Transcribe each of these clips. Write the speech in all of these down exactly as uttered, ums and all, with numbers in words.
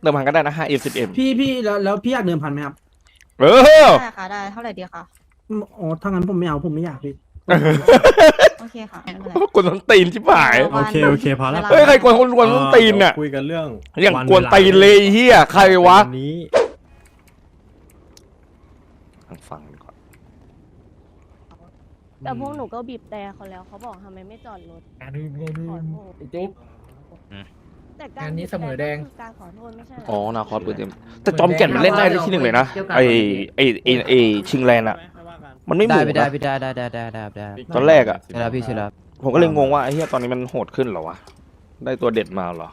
เติมพันก็ได้นะห้าเอ็มสิบเอ็มพี่พี่แล้วแล้วพี่อยากเดิมพันไหมครับเออได้ค่ะได้เท่าไหร่ดีคะอืมอ๋อถ้างั้นผมไม่เอาผมไม่อยากพี่โอเคค่ะไม่เป็นไรกวนต้นตีนชิบหายโอเคโอเคพอแล้วเฮ้ยใครกวนคนกวนต้นตีนเนี่ยคุยกันเรื่องอย่างกวนตีนเลยเฮียใครวะนนี้ฟังดีกว่าแต่พวกหนูก็บีบแต่เขาแล้วเขาบอกทำไมไม่จอดรถขอโทษจุ๊บแต่การงานนี้เสมอแดงบีบแต่ก็คือการขอโทษไม่ใช่เหรออ๋อนาคอสเปิดเต็มแต่จอมแก่นมันเล่นได้ที่หนึ่งเลยนะไอไอไอไอชิงแลนด์อะมันไม่หได้มูไปได้นะไปได้ได้ได้ได้ได้ได้ตอนแรกอะเวลาพี่ชิรับผมก็เลยงงว่าไอ้เฮียตอนนี้มันโหดขึ้นเหรอวะได้ตัวเด็ดมาเหรอ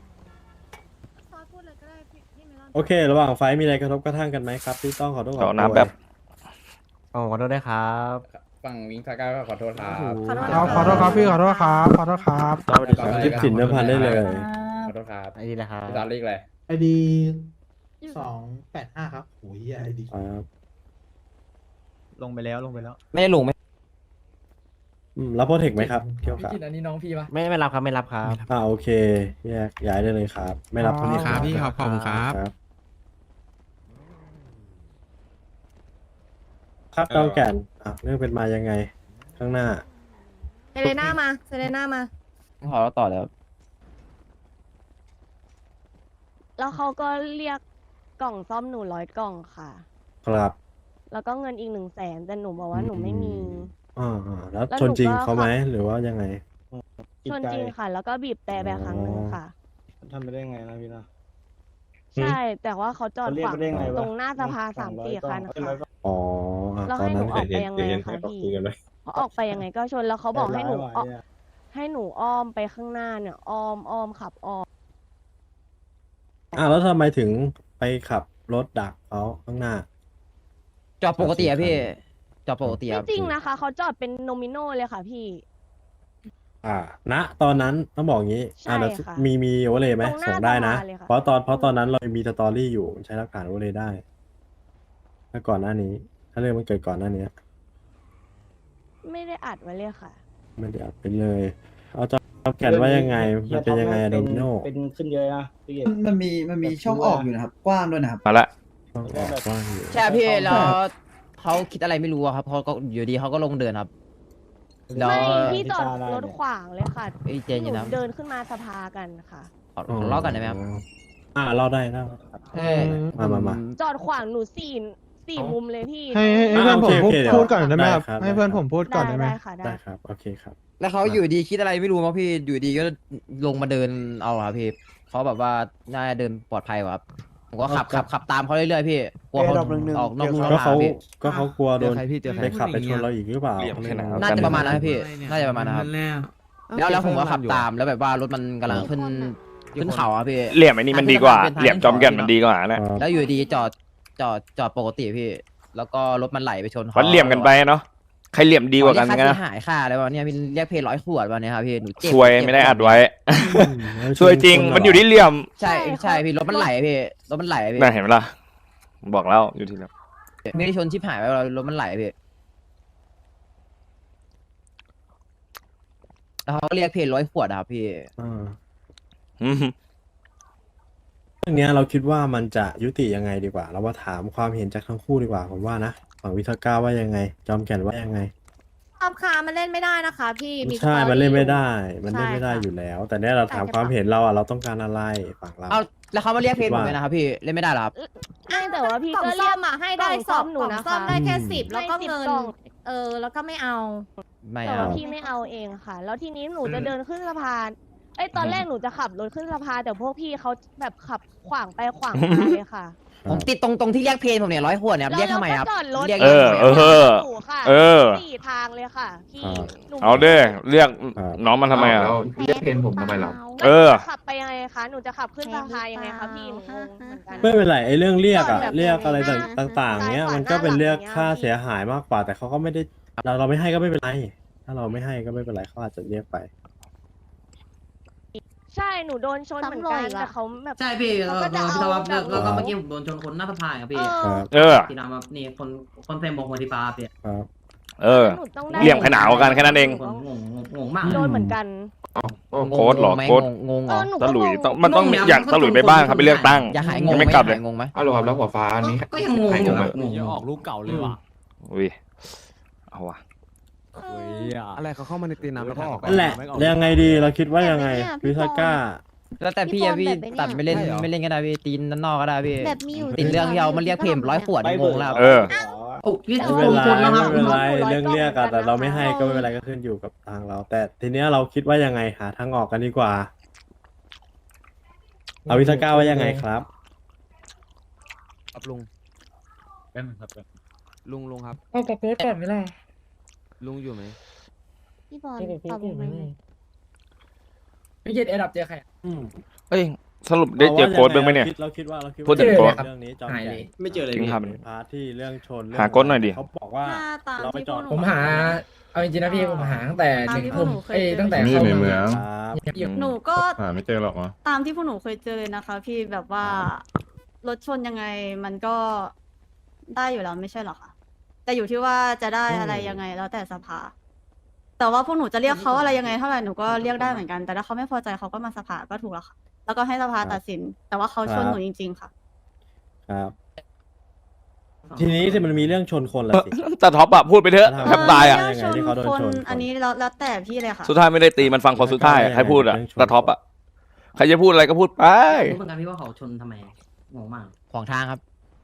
โอเค ระหว่างไฟท์มีอะไรกระทบกระทั่งกันไหมครับที่ต้องขอโทษขขออโทษน้ำแบบอ๋อขอโทษด้วยครับฝั่งวิงซาก้าก็ขอโทษครับขอโทษขอโทษครับพี่ขอโทษครับขอโทษครับคลิปสินเดิมพันได้เลยขอโทษครับไอ้นี่แหละครับพี่ตอนเรียกอะไรไอดีสองแปดห้าครับโอ้ยไอดีครับลงไปแล้วลงไปแล้ว ไม่ได้ลงไหมอืมรับโปรเทคไหมครับเกี่ยวพี่กับกินอันนี้น้องพี่ปะไม่ไม่รับครับไม่รับครับอ่าโอเคแยกย้ายได้เลยครับ ไม่รับโปรเทคครับพี่ครับขอบคุณครับครับครับต้องแก่นอ่ะเรื่องเป็นมายังไง ข้างหน้าเซเลน่ามาเซเลน่ามาขอเราต่อแล้วแล้วเขาก็เรียกกล่องซ่อมหนูร้อยกล่องค่ะครับแล้วก็เงินอีกหนึ่งแสนแต่หนูบอกว่าหนูไม่มีอ่าอ่าแล้วแล้วชนจริงหนูก็เขาไหมหรือว่ายังไงชนจริงค่ะ แล้วก็บีบแต่แบบครั้งหนึ่งค่ะทำไปได้ไงนะพี่นะใช่ แต่ว่าเขาจอดขวางเขาเรียกไปได้ไงวะตรงหน้าสภาสามสี่คันค่ะอ๋ออ่ะแล้วตอนให้หนั้นูนออกไปยังไงคะพี่เขาออกไปยังไงก็ชนแล้วเขาบอกให้หนูออกให้หนูอ้อมไปข้างหน้าเนี่ยอ้อมอ้อมขับอ้อมอ่ะแล้วทำไมถึงไปขับรถดักเขาข้างหน้าจอดปกติอะพี่ จอดปกติไม่อะจริงนะคะเขาจอดเป็นโนมิโนเลยค่ะพี่อ่าณตอนนั้นต้องบอกงี้ใช่อ่าเดี๋ยวค่ะมีมีโอเวอร์เลยไหมตรงหน้าส่งได้นะสภาเลยค่ะเพราะตอนเพราะตอนนั้นเรามีสตอรี่อยู่ใช้หลักฐานโอเวอร์เลยได้ถ้าก่อนหน้านี้ ถ้าเรื่องมันเกิดก่อนหน้านี้ไม่ได้อัดไว้เลยค่ะไม่ได้อัดไปเลย เอาจะแก่นว่ายังไงมันเป็นยังไงโดมิโนเป็นขึ้นเยอะนะพี่มันมีมันมีช่องออกอยู่นะครับ กว้างด้วยนะครับมาละต้องออกกว้างอยู่ใช่พี่แล้วเขาคิดอะไรไม่รู้อะครับเขาก็อยู่ดีเขาก็ลงเดินครับแล้วไม่พี่จอดรถขวางเลยค่ะไอ้เจนหอยู่นูนะเดินขึ้นมาสภากันค่ะขอขอเล่ากันได้ไหมครับอ่าเล่าได้เล่าเออมามามาจอดขวางหนูสี่สี่มุมเลยพี่ให้ให้เพื่อนผมพูดพูดก่อนได้ไหมครับให้เพื่อนผมพูดได้ได้ค่ะได้ได้ครับโอเคครับแล้วเขาอยู่ดีคิดอะไรไม่รู้มั้งพี่อยู่ดีก็ลงมาเดินเอาอะครับพี่เขาแบบว่าน่าจะเดินปลอดภัยกว่าครับผมก็ขับขับขับตามเขาเรื่อยๆพี่กลัวเขาออกนอกลู่นก็อกทาเขางพี่ก็เขากลัวโดนเจอใครพี่เจอใครไปขับไปชนเราอีกหรือเปล่าเหลี่ยมแค่ไหนน่าจะประมาณนั้นครับพี่น่าจะประมาณนั้นครับแล้วแล้วผมก็ขับตามแล้วแบบว่ารถมันกำลังขึ้นขึ้นเขาอะพี่เหลี่ยมไอ้นี่มันดีกว่าเหลี่ยมจอมแก่นมันดีกว่านะแล้วอยู่ดีจอดจอดจอดปกติพี่ แล้วก็รถมันไหลไปชนเขาวัดเหลี่ยมกันไปเนาะใครเหลี่ยมดีกว่ากันเรียกันค่านะเสียหายค่าอะไรวะเนี่ยพี่เรียกเพย์ร้อยขวดวะเนี่ยครับพี่หนูเจ็บช่วยไม่ได้อัดไว้ ช่วยจริงมันอยู่ที่เหลี่ยมใช่ใช่พี่รถมันไหลพี่รถมันไหลพี่น่าเห็นไหมล่ะบอกแล้วอยู่ที่เหลี่ยมไม่ได้ชนชิบหายไปรถมันไหลพี่แล้วเขาเรียกเพย์ร้อยขวดอะครับพี่อ่าอืมเรื่องเนี้ยเราคิดว่ามันจะยุติยังไงดีกว่า เราว่าถามความเห็นจากทั้งคู่ดีกว่าผมว่านะฝั่งวิทาก้าว่ายังไง จอมแก่นว่ายังไงรอบคามันเล่นไม่ได้นะคะพี่มีใช่สตอรี่มันเล่นไม่ได้อยู่มันเล่นไม่ได้ใช่ค่ะอยู่แล้ว แต่เนี้ยเราถามความเห็นเราอ่ะเราต้องการอะไรฝั่งเราเอาแล้วเขามาเรียกเพย์ผมเลยนะครับพี่เล่นไม่ได้เหรอครับไม่แต่ว่าพี่กล่องก็ซ่เรีอยกมอ่ะให้ได้กล่องสซ่ออง มหนูกล่องนะคะซ่อมได้แค่สิบให้แล้วก็สิบเงินกล่องเออแล้วก็ไม่เอาไม่แต่เอาว่าพี่ไม่เอาเองค่ะ แล้วทีนี้หนูจะเดินขึ้นสะพานไอ้ยตอนแรกหนูจะขับรถขึ้นสะพานแต่พวกพี่เขาแบบขับขวางไปขวางมาเลยค่ะผมติดตรงตรงที่เรียกเพย์ผมเนี่ยร้อยขวดเนี่ยครับเรียกทำไมครับแล้วก็จอดรถเรียกเออเออหนูค่ะเออสี่ทางเลยค่ะพี่หนูเอาเด้เรียกน้องมันทำไมอ่ะเรียกเพนผมทำไมล่ะเออจะขับไปยังไงคะหนูจะขับขึ้นสะพานยังไงคะพี่หนูงงเหมือนกันไม่เป็นไรไอ้เรื่องเรียกอ่ะแบบเรียกอะไรหน้าต่างๆเนี้ยซ้ายขวามันก็เป็นเรียกหน้าหลังค่าอย่างเงี้ยเสียหายมากกว่า แต่เขาก็ไม่ได้เราเราไม่ให้ก็ไม่เป็นไร ถ้าเราไม่ให้ก็ไม่เป็นไรเขาอาจจะเรียกไปใช่หนูโดนชนเหมือนกันซ้ำรอยอีกอะแต่เขาแบบใช่พี่เขาเราก็จะพี่เอาตะวันแบบแล้วก็เมื่อกี้ผมโดนชนคนหน้าสะพานครับพี่เออครับเออที่นำมานี่คนคนใส่หมวกหัวที่ฟ้าพี่ครับเออหนูต้องได้เหลี่ยมขนาวกันแค่นั้นเองผมงงงงงงมากโดนเหมือนกันโค้ดเหรอไหมโค้ดงงงเอเหรออหนูตะก็หลุยงงต้องมันต้องมีอยากตะหลุยไปบ้างครับไปเลือกตั้งอย่าหายงงยังไหมไม่กลับอเลยย่าหายงงไหมอ้าวเหรอครับแล้วหัวฟ้านี่ก็ยังงงอยู่แบบงงออกลูกเก่าเลยว่ะอุ้ยเอาวะอะไรเขาเข้ามาในตีน้ำแล้วก็ออกนั่นแหละแล้วยังไงดีเราคิดว่ายังไงวิทาก้าแล้วแต่พี่อะพี่ตัดไม่เล่นไม่เล่นก็ได้พี่ตีนด้านนอกก็ได้พี่แบบมีอยู่ติดเรื่องที่เอามาเรียกเพมร้อยขวดงงแล้วเออโอ้พี่ไม่เป็นไรคนแล้วครับไม่เป็นไรเรื่องเรียกอะแต่เราไม่ให้ก็ไม่เป็นไรก็ขึ้นอยู่กับทางเรา แต่ทีเนี้ยเราคิดว่ายังไงหาทางออกกันดีกว่าเอาวิทาก้าว่ายังไงครับครับลุงลุงลุงครับเอากระโปรงก่อนไม่ได้ลุงอยู่ไหมพี่บอลตอบผมไหมพี่เย็ดเอ็ดับเจอใครเอ้ยสรุปได้เจอโค้ดบ้างไหมเนี่ยเราคิดว่าเราคิดพูดว่าถึงโค้ดเรื่องนี้จอมหายใหเลญ่ยไม่เจอเลยจริงครับพาร์ทที่เรื่องชนเรื่องหาโค้ดหน่อยดิเขาบอกว่าถ้าตามเราไปที่จอดพวกหนูผมหา เอาจริงๆนะพี่ผมหาตั้งแต่หตามนึ่งที่พวทุ่กมหนูเคยเอ้ยเจอตั้งแต่นี่เข้าในมาเมืองครับอยู่หนูก็หาไม่เจอหรอกวะตามที่พวกหนูเคยเจอเลยนะคะ พี่แบบว่ารถชนยังไงมันก็ได้อยู่แล้วไม่ใช่หรอคะแต่อยู่ที่ว่าจะได้อะไรยังไงแล้วแต่สภา แต่ว่าพวกหนูจะเรียกเขาอะไรยังไงเท่าไหร่หนูก็เรียกได้เหมือนกัน แต่ถ้าเขาไม่พอใจเขาก็มาสภาก็ถูกแล้วค่ะ แล้วก็ให้สภาตัดสิน แต่ว่าเขาชนหนูจริง ๆ ค่ะครับ ทีนี้ที่มันมีเรื่องชนคนละสิแต่ท็อปอะพูดไปเถอะแทบตายอะเรื่องชนคนอันนี้แล้วแล้วแต่พี่เลยค่ะสุดท้ายไม่ได้ตีมันฟังคนสุดท้ายให้พูดอะแต่ท็อปอะใครจะพูดอะไรก็พูดไปรู้เหมือนกันพี่ว่าเขาชนทำไมงงมากขวางทางครับ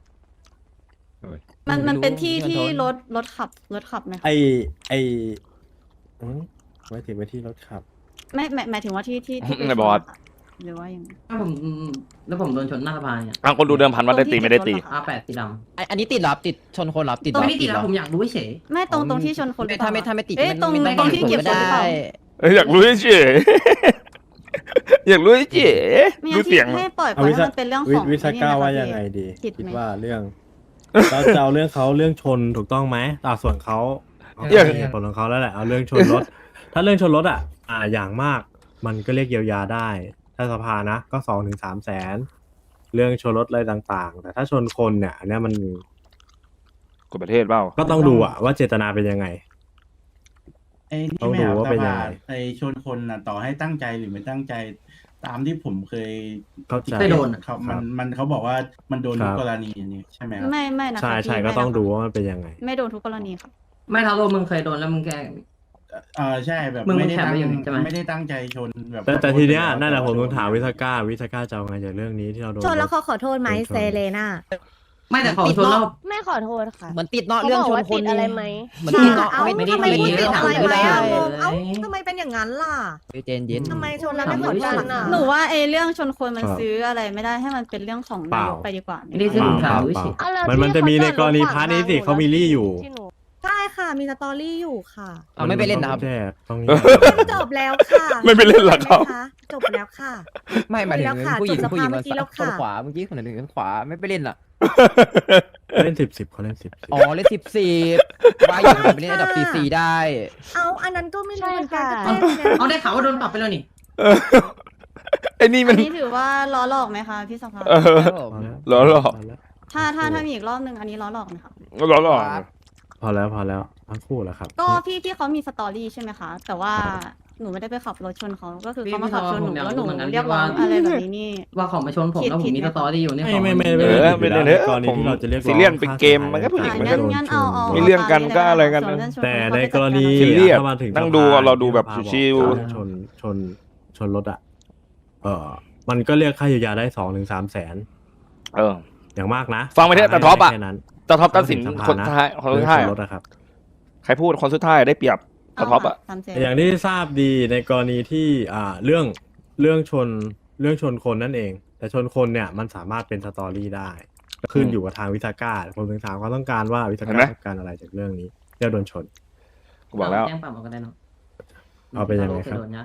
มันมันเป็นที่ไม่รู้ที่เงินทอนรถรถขับรถขับไหมคะไอไออืมไว้ถึงไปที่รถขับไม่หมายหมายถึงว่าที่ที่ที่ปไม่บอสชนอะหรือว่ายังไงถ้าผมแล้วผมโดนชนหน้าสะพานเนี่ยอ่ะคนดูเดิมพันว่าได้ตีไม่ได้ตีอาแปดสีดอันอันนี้ติดเหรอครับติดชนคนเหรอครับติดำเหตรรงอนี้ติดเหแล้รวอผมอยากรู้เฉยไม่ตรงตรงที่ชนคนหรือเปถ้าล่าไม่ถ้าไม่ติดเอ๊ะมันตรงไม่ตรงที่เก็บไม่ศพหรือเปล่าได้เอ้ยอยากรู้เฉยอยากรู้เฉยไม่ดูงั้นเสียงที่ให้ปล่อยไปเอาวิให้ทามันเป็นเรื่องวิของวิทาก้าไอ้นี่นะคะว่าพี่ยังไงดีผิดไหมคิดว่าเรื่อง เราจะเอาเรื่องเขาเรื่องชนถูกต้องไหมอ่าส่วนเขาเขาเรื่องมีเหตุผลของเขาแล้วแหละเอาเรื่องชนรถ ถ้าเรื่องชนรถอ่ะ อ่าอย่างมาก มันก็เรียกเยียวยาได้ ถ้าสภานะ ก็สองถึงสามแสนเรื่องชนรถอะไรต่างๆ แต่ถ้าชนคนเนี่ยอันเนี้ยมันกฎประเทศเปล่าก็ต้องดูอะว่าเจตนาเป็นยังไงไอ้ต้นี่องไม่ดูเอาว่าสเป็นยัภางไงไอ้ชนคนนะต่อให้ตั้งใจหรือไม่ตั้งใจ ตามที่ผมเคยเข้าใจเคยโดนอะเขามันมันเขาบอกว่ามันโดนทุคกรับกรณีอันนี้ใช่ไหมครับไม่ไม่นะคะใช่ใช่พี่ก็ต้องไม่นะคะดูว่ามันเป็นยังไงไม่โดนทุกกรณีค่ะไม่เท่าตัวมึงเคยโดนแล้วมึงแกเออใช่แบบมึงไม่ได้แคปตั้งไว้อยู่นี่ใช่ไหมไม่ได้ตั้งใจชนแบบแต่แต่ขอโทษทีเนี้ยแล้วนั่นแหละผมต้องถามขโทษวิทาก้าวิทาก้าจะเอาไงจากเรื่องนี้ที่เราโดนชนแล้วเขาขอโทษไหมโดนชนเซเลน่าไม่แต่เขาชนแล้วไม่ขอโทษค่ะเหมือนติดเนาะเขาเรื่องบอกชนว่าคตินดอะไรไหมเหมือนติดเนาะเอ้าไม่ไม่ได้ทำไมไม่พูดได้ติดถามอะไรไม่ไหมได้อะเลยเอ้าทำไมเป็นอย่างนั้นล่ะเจนเย็นทำไมชนแล้วไม่ขอโทษล่ะหนูว่าไอ้เรื่องชนคนมันซื้ออะไรไม่ได้ให้มันเป็นเรื่องของนายกไปดีกว่าไม่ได้ซื้อเปล่าถามเปดูล่าเฉยเอาแล้วมันมันที่จะมีในเขาจอดกรณีรถขวางพาร์ทนี้สิหนูเขามีลี่อยู่ที่หนูใช่ค่ะมีสตอรี่อยู่ค่ะเอาไม่ไปเล่นนะครับแจ้ต้องมีจบแล้วค่ะไม่ไปเล่นหรอกครับจบแล้วค่ะไม่หมายถึงแล้วค่ะผู้หญิงจบสภาผู้หญิงเมื่มาอกี้แล้วชค่ะนขวาเมื่อกี้คนหนึ่งชนขวาไม่ไปเล่นอ่ะเล่นสิบสิบเขาเล่นสิบอ๋อเล่นสิบสี่ว่าอยู่ไปเล่นระดับสี่สี่ได้เอาอันนั้นก็ไม่รู้เหมือนกันใช่ก็ค่ะแจ้งไงเอาได้ข่าวว่าโดนปรับไปแล้วนี่เออไอ้นี่มัอันนนี้ถือว่าล้อหลอกไหมคะพี่สภาเออครับผมเหรอเหรอถ้าถ้าถ้ามีอีกรอบหนึ่งอันนี้ล้อหลอกไหมคะเหรอเหรอพอแล้วพอแล้วทั้งคู่แล้วครับก็พี่พี่เขามีสตอรี่ใช่ไหมคะ แต่ว่าหนูไม่ได้ไปขับรถชนเขาก็คือพี่เขามาขับชนหนูพี่แล้วหนูผมอยากรู้เหมือนกันเรียกร้องว่าอะไรแบบนี้นี่ว่าเขามาชนผมแล้วผมมีสตอรี่อยู่นี่ไม่ไม่ไม่เอไม่อไม่เล่นเถอะกรณีผมที่เราจะเรียกร้องซีเรียสเป็นเกมมันก็ผู้หญิงอ่ะมันงั้ก็นงั้นเอาเอามีเรื่องกันก็อะไรกันส่วเรื่องชแต่ในเขากรณีซีเรียสถ้ามาถึงนั่งสภดูอะเราดูแบบที่สภาชิวบอกชนชนชนรถอ่ะ เออมันก็เรียกค่าเยียวยาได้สองถึงสามแสนเอออย่างมากนะฟังไปเถอะแต่ท็อปอะแค่นั้นแต่ท็อปตัดสินถึงสภาคนนะท้ายคนเรื่สุองดท้ายชนอะรถนะครับใครพูดคนสุดท้ายได้เปรียบแต่ท็อปอะสามเจ็ดอย่างที่ทราบดีในกรณีที่อ่าเรื่องเรื่องชนเรื่องชนคนนั่นเอง แต่ชนคนเนี่ยมันสามารถเป็นสตอรี่ได้ขึ้นอยู่กับทางวิทาก้าผมถึงถามความต้องการว่าวิทาก้าต้องการอะไรจากเรื่องนี้เรื่องโดนชนกูบอกแล้วแจ้งปรับเอาก็ได้เนาะเอาไปยังไงครับโดนนะ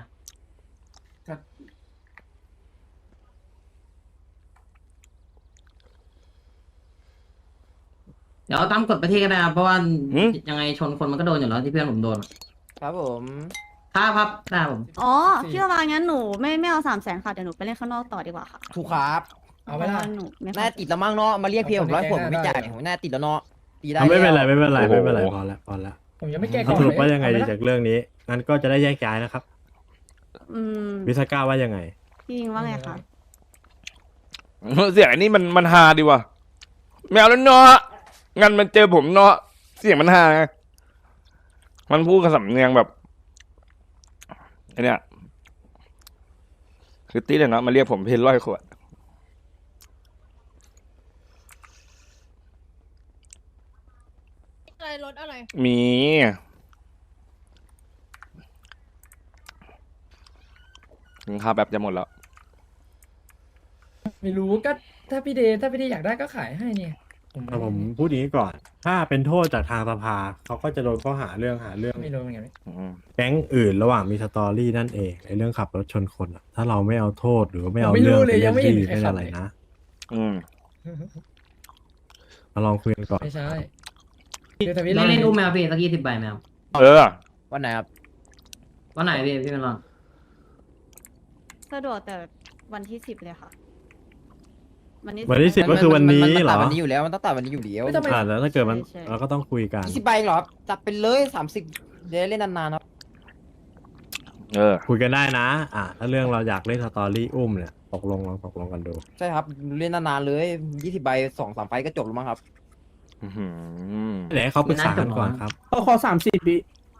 เดี๋ยวเอาตามกฎประเทศก็ได้ครับเพราะว่าหืมยังไงชนคนมันก็โดนอยู่แล้วที่เพื่อนผมโดนอะครับผมครับครับได้ผมอ๋อพี่ประมาณงั้นหนูไม่ไม่เอาสามแสนค่ะเดี๋ยวหนูไปเล่นข้างนอกต่อดีกว่าค่ะถูกครับเอาไว้ละพระว่หนูไม่น่าติดแล้วมั้งเนาะมาเรียกเพียผมร้อยขวดผมไม่จ่ายผมน่าติดแล้วเนาะตีได้เอาไม่เป็นไรแล้วไม่เป็นไรโอ้โหไม่เป็นไรพอแล้วพอแล้วผมยังไม่แก้เขาสรุปว่ายังไงดีจากเรื่องนี้งั้นก็จะได้แยกย้ายนะครับอืมวิสก้าว่ายังไงพี่ยิงว่าไงคะเสียงไอ้นี่มันมันฮาดีว่ะไม่เอาแล้วเนาะงั้นมันเจอผมเนาะเสียงมันฮาไงมันพูดกับสำเนียงแบบไอเนี่ยคือตีเลยเนาะมาเรียกผมเพนร้อยขวดอะไรรถอะไรมีถึงค่าแบบจะหมดแล้วไม่รู้ก็ถ้าพี่เดย์ถ้าพี่เดย์อยากได้ก็ขายให้เนี่ยผมแต่ผมพูดอย่างนี้ก่อน ถ้าเป็นโทษจากทางสภาเขาก็จะโดนข้อหาเรื่องหาเรื่องไม่รู้เหมือนกันอืมแก๊งอื่นระหว่างมีสตอรี่นั่นเองในเรื่องขับรถชนคนอะถ้าเราไม่เอาโทษหรือว่าไม่เอาไม่เรื่รู้องเลไปยยัเล่งนไม่เห็นที่ใครไม่ขัอะบไรเลยนะอืมมาลองคุยกันก่อนไม่ใช่คือแต่พี่เล่นเล่เล่นนอุ้มแมวพี่สักยี่สิบใบแมวเออวันไหนครับวันไหนพี่พี่เป็นรอนสะดวกแต่วันที่สิบเลยค่ะ วันที่วันที่สิบ ก็คือวันนี้มัเหรอตัดวันนี้อยู่แล้วมันต้องตัดวันนี้อยู่แล้วอ่าแล้วถ้าเกิดมันเราก็ต้องคุยกันยี่สิบใบเหรอครับจับไปเลยสามสิบเดี๋ยวเล่นนานๆครับเออคุยกันได้นะ อ่าถ้าเรื่องเราอยากเล่นสตอรี่อุ้มเนี่ยตกลงลองตกลงกันดูใช่ครับเล่นนานๆเลยยี่สิบใบสองสามไฟก็จบแล้วมั้งครับอื้อหือเดี๋ยวให้เขาปรึกษากันก่อนครับเอาขอสามสิบวิ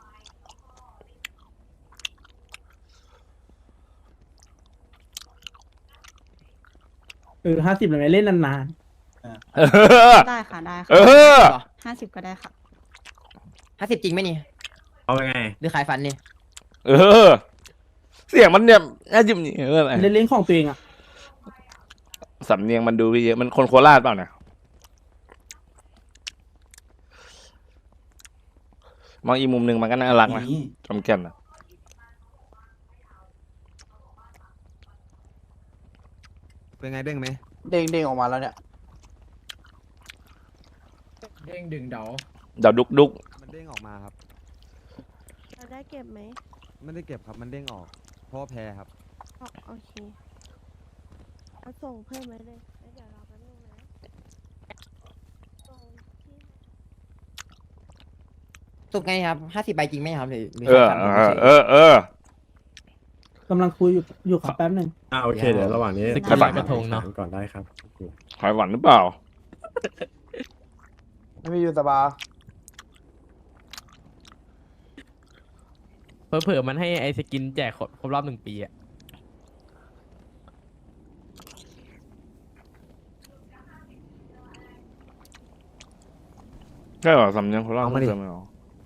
เออห้าสิบเลยไหมเล่นนานเออได้ค่ะได้เอค่ะอห้าสิบก็ได้ค่ะห้าสิบจริงไหมนี่เอาไงหรือขายฟันนี่เออ เสียงมันเนี่ยน่าจิ้มนี่เอออะไรๆเล่นเล่นของตัวเองอ่ะสำเนียงมันดูเยอะมันคนโคราชเปล่าเนี่ยมองอีกมุมหนึ่งมันก็น่ารักนะนี่จอมแก่นอะเป็นไงเด้งไหมเด้งเด้งออกมาแล้วเนี่ยเด้งดึงเดาเดี๋ยวดุกดุกมันเด้งออกมาครับเราได้เก็บไหมไม่ได้เก็บครับมันเด้งออกเพราะว่าแพ้ครับอ๋อโอเคเอาส่งเพิ่มไว้เลยแล้วเดี๋ยวรอแป๊บนึงนะส่งที่สุดไงครับห้าสิบใบจริงไหมครับหรือหรือเออขายฟันเออเออเออกำลังคุยอยู่อยู่ขอแป๊บหนึ่งอ่าโอเคเดี๋ยวระหว่างนี้ไปฝังกระทงเนาะก่อนได้ครับหอยหวานหรือเปล่าไม่มีอยู่ตาบาเผลอๆมันให้ไอสกินแจกครบครบรอบหนึ่งปีอะใช่เหรอสำเนียงโคราชเอามาดิเพิ่มไหรอ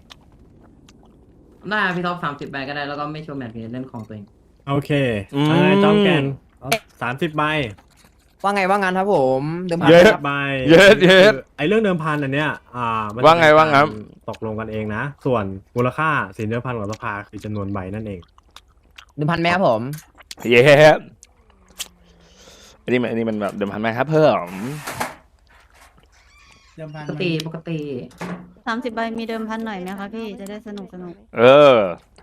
ได้พี่ท็อปสามสิบใบก็ได้แล้วก็ไม่โชว์แมทพี่เล่นของตัวเองโอเคทางนายจอมแกนสามสิบใบว่าไงว่างั้นครับผมเดิมพันเยอะครับใบเยอะเยอะไอเรื่องเดิมพันอันเนี้ย อ่ามันว่าไงว่างั้นตกลงกันเองนะ ส่วนมูลค่าสินเดิมพันของสภาคือจำนวนใบนั่นเองเดิมพันไหมครับผมเย้อันนี้มันอันนี้มันแบบเดิมพันไหมครับเพิ่มเดิมพันปกมันติปกติสามสิบใบมีเดิมพันหน่อยไหมคะพี่จะได้สนุกสนุกเออ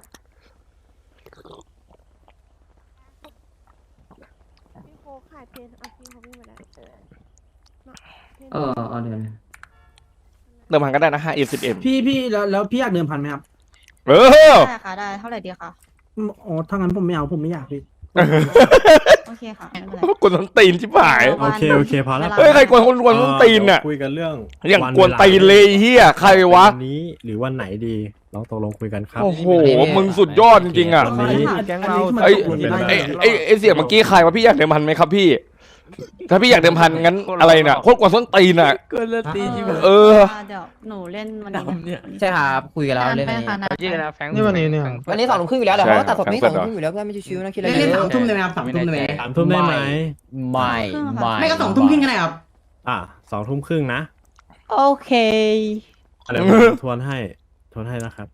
พี่โคกขายเพนเอาพี่เขาวิ่งมาแล้วเออมาเพนเออเอาเดี๋ยวนะเดิมพันก็ได้นะห้าเอ็มสิบเอ็มพี่พี่แล้วแล้วพี่อยากเดิมพันไหมครับเออได้ค่ะได้เท่าไหร่ดีคะอืมอ๋อถ้างั้นผมไม่เอาผมไม่อยากพี่โอเคค่ะไม่เป็นไรกวนส้นตีนชิบหายโอเคโอเคพอแล้วเฮ้ยใครกวนคนกวนส้นตีนน่ะเดี๋ยวคุยกันเรื่องอย่างวันกวนตีนเลยไอ้เฮียใครวะวันนี้หรือวันไหนดีลองตกลงคุยกันครับโอ้โห มึงสุดยอดจริงๆอ่ะวันนี้แก๊งเราไอ้ไอ้ไอ้ไอ้เสียงเมื่อกี้ใครวะพี่อยากเดิมพันไหมครับพี่ ถ้าพี่อยากเดิมพันงั้นอะไรน่ะโคตรกวนส้นตีนอ่ะเกินละตีที่แบบเออเดี๋ยวหนูเล่นวันนี้เนี่ยใช่ครับคุยกันแล้วเล่นวันนี้ยี่นะแฟงนี่วันนี้เนี่ยวันนี้สองทุ่มครึ่งอยู่แล้วเดี๋ยวใช่เขาก็ตัดสดนี้คสรัอบ งทุ่มครึ่งอยู่แล้วเพื่อนไม่ชิวๆนะคิดอะไรเล่นเล่นเยสาอะมทุ่มเลยไหมครับสามทุ่มเลยไหมสามทุ่มได้ไหมไม่ไม่ไม่ก็สองทุ่มครึ่งก็ได้ครับอ่ะสองทุ่มครึ่งนะโอเคเดี๋ยวผมทวนให้ทวนให้นะครับ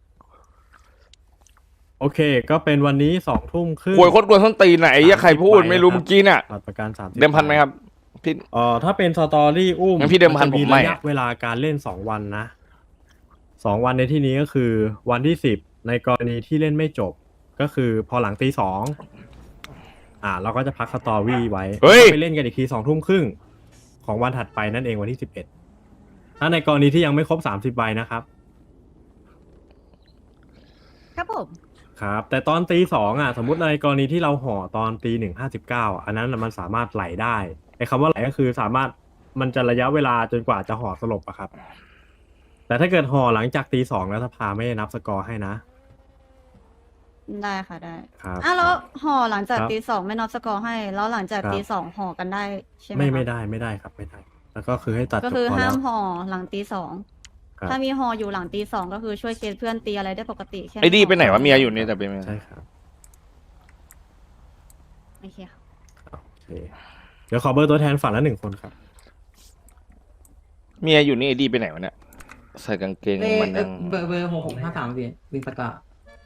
โอเค ก็เป็นวันนี้สองทุ่มครึ่งกวนโคตรกวนส้นตีนไหนไอ้เหี้ยใครพูดไม่รู้เมื่อกี้น่ะบัตรประกันสามสิบเดิมพันไหมครับพี่เอ่อถ้าเป็นสตอรี่อุ้มงั้นพี่เดิมพันจะผมไม่ระยะเวลาการเล่นสองวันนะสองวันในที่นี้ก็คือวันที่สิบในกรณีที่เล่นไม่จบ ก็คือพอหลังตีสองอ่า เราก็จะพักสตอรี่ไว้เฮ้ยไปเล่นกันอีกทีสองทุ่มครึ่งของวันถัดไปนั่นเองวันที่สิบเอ็ดถ้าในกรณีที่ยังไม่ครบสามสิบใบนะครับครับผมโครับ แต่ตอนตีสองอ่ะ สมมติในกรณีที่เราห่อตอนตีหนึ่งห้าสิบเก้าอันนั้นน่ะมันสามารถไหลได้ไอ้คำว่าไหลก็คือสามารถมันจะระยะเวลาจนกว่าจะห่อสลบอะครับ แต่ถ้าเกิดห่อหลังจากตีสองแล้วสภาไม่ได้นับสกอร์ให้นะได้ค่ะได้ครับอ่ะแล้วห่อหลังจากครับตีสองไม่นับสกอร์ให้ แล้วหลังจากครับตีสองห่อกันได้ใช่ไหมไม่คะไม่ได้ไม่ได้ครับไม่ได้ แล้วก็คือให้ตัดก็จบคือพอห้าแล้มวห่อหลังตีสองครับถ้ามีห่ออยู่หลังตีสองก็คือช่วยเคสเพื่อนตีอะไรได้ปกติแค่ไอ้ดีห่ไปไหนวะเมียอยู่นี่แต่เป็นไงใช่ครับโอเคค่ะโอเคเดี๋ยวขอเบอร์ตัวแทนฝั่งละหนึ่งคนครับเมียอยู่นี่ไอ้ดีไปไหนวะเนี่ยใส่กางเกงเอ้ยมันเอ้ยัยงเบอร์เบอร์หกหกห้าสามพี่วิงสกา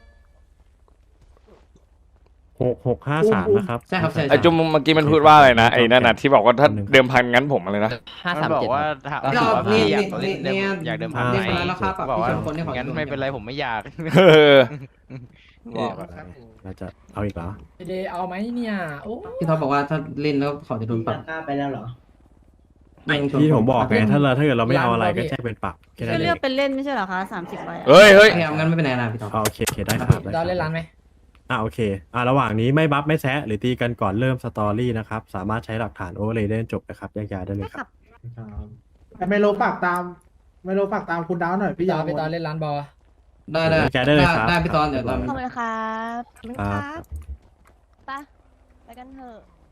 หกหกห้าสามนะครับใช่ครับใช่ไอ้จุ๊มเมื่อกี้มันพูดว่าอะไรนะไอ้นั่นน่ะที่บอกว่าถ้าเดิมพันงั้นผมอะไรนะห้าสามบอกเจ็ดว่าครับถามก็ว่านี่พี่อยากนี่เล่นนี่อยากเดิมพันอ่าไหมเรียกมาแล้วครับบอกว่าพี่ชนคนที่ของั้นดูไม่เป็นไรผมไม่อยากเออบอกเราจะเอาอีกเหรอพี่เดย์เอาไหมเนี่ยโอ้พี่ท็อปบอกว่าถ้าเล่นแล้วเขาจะโดนปรับกล้าไปแล้วเหรอไม่ชนที่ผมบอกไงถ้าเราถ้าเกิดเราไม่เอาอะไรก็แจ้งเป็นปรับแค่นั้ก็นเอเลือกงเป็นเล่นไม่ใช่เหรอคะสามสิบใบอะเฮ้ยเฮ้ยโอเคงั้นไม่เป็นไรนะพี่ท็อปอ่าโอเคโอเคได้ครับได้คเรารับเล่นร้านไหมอ่าโอเคอ่าระหว่างนี้ไม่บัฟไม่แซะหรือตีกันก่อนเริ่มสตอรี่นะครับ สามารถใช้หลักฐานโอเวอร์เลยได้จบนะครับแยกย้ายได้เลยครับแต่ไมโลฝากตามไมโลฝากตามคุณดาวหน่อยพี่พี่ตยาอนพี่ตอนเล่นร้านบอลได้ได้แกได้เลยครับได้พี่ตอนเดี๋ยวตอนขอบคุณครับขอบคุณคครัรับ บไปไปกันเถอะ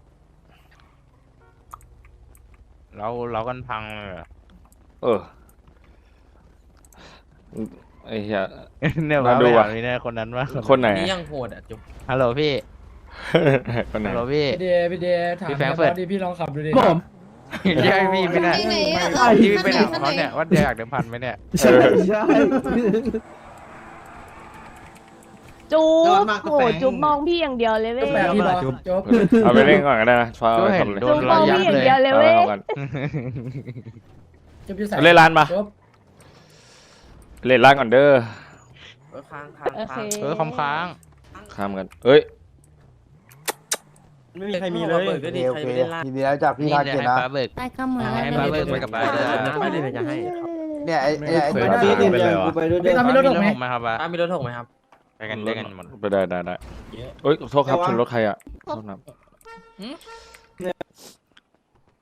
เราเรากันพังเลยเหรอเออไอ้เหี้ยเนี่ยมามาดูดูอะอ่ะนี่นะคนนั้นว่าคนไหนนี่ยังโหดอ่ะจุ๊บฮัลโหลพี่คนไหนฮัลโหลพี่พี่เดย์พี่เดย์ถามพี่แฟรงก์บเฟิร์อตสดิพี่ลองขับดูดิผมใช่พี่ไม่ได้ไหนอะที่พี่ไปขั้นไหนถามเขาเนี่ยว่าอยากเดิมพันไหมเนี่ยใช่ใช่จุ๊ยอดบมากครับโหแฟรงค์จุ๊บมองพี่อย่างเดียวเลยเว้ยแปดพี่บอลจบเอาไปเล่นก่อนก็ได้นะฟ้าก็เอาไปเห็นทำเลยโดจุ๊นบมองพี่อย่างเดียวเลยเอาเว้ไปยทำกันจบอยู่ใส่เล่นร้านปะจบเล่นร้านก่อนเด้อโอเคเออคำค้างข้ามกันเอ้ยไม่มีใครมีเลยก็ดีใครไม่ได้ล่าทีนี้แล้วจากพี่ทาเกตนะเบิกได้ก็เหมือนให้มาเบิกไปกับไปด้วยไม่ได้เลยจะให้เนี่ยไอ้เนี่ยไอ้ไม่ตัวเคยนี้ไปเนี่ยเลยวะกูไปด้วยพี่ตอนมีรถหกไหมไหมครับอ่ะมีรถถกไหมครับไปกันด้วยกันหมดไปได้ได้ได้เอ้ยโทษครับชนรถใครอ่ะโทษนะ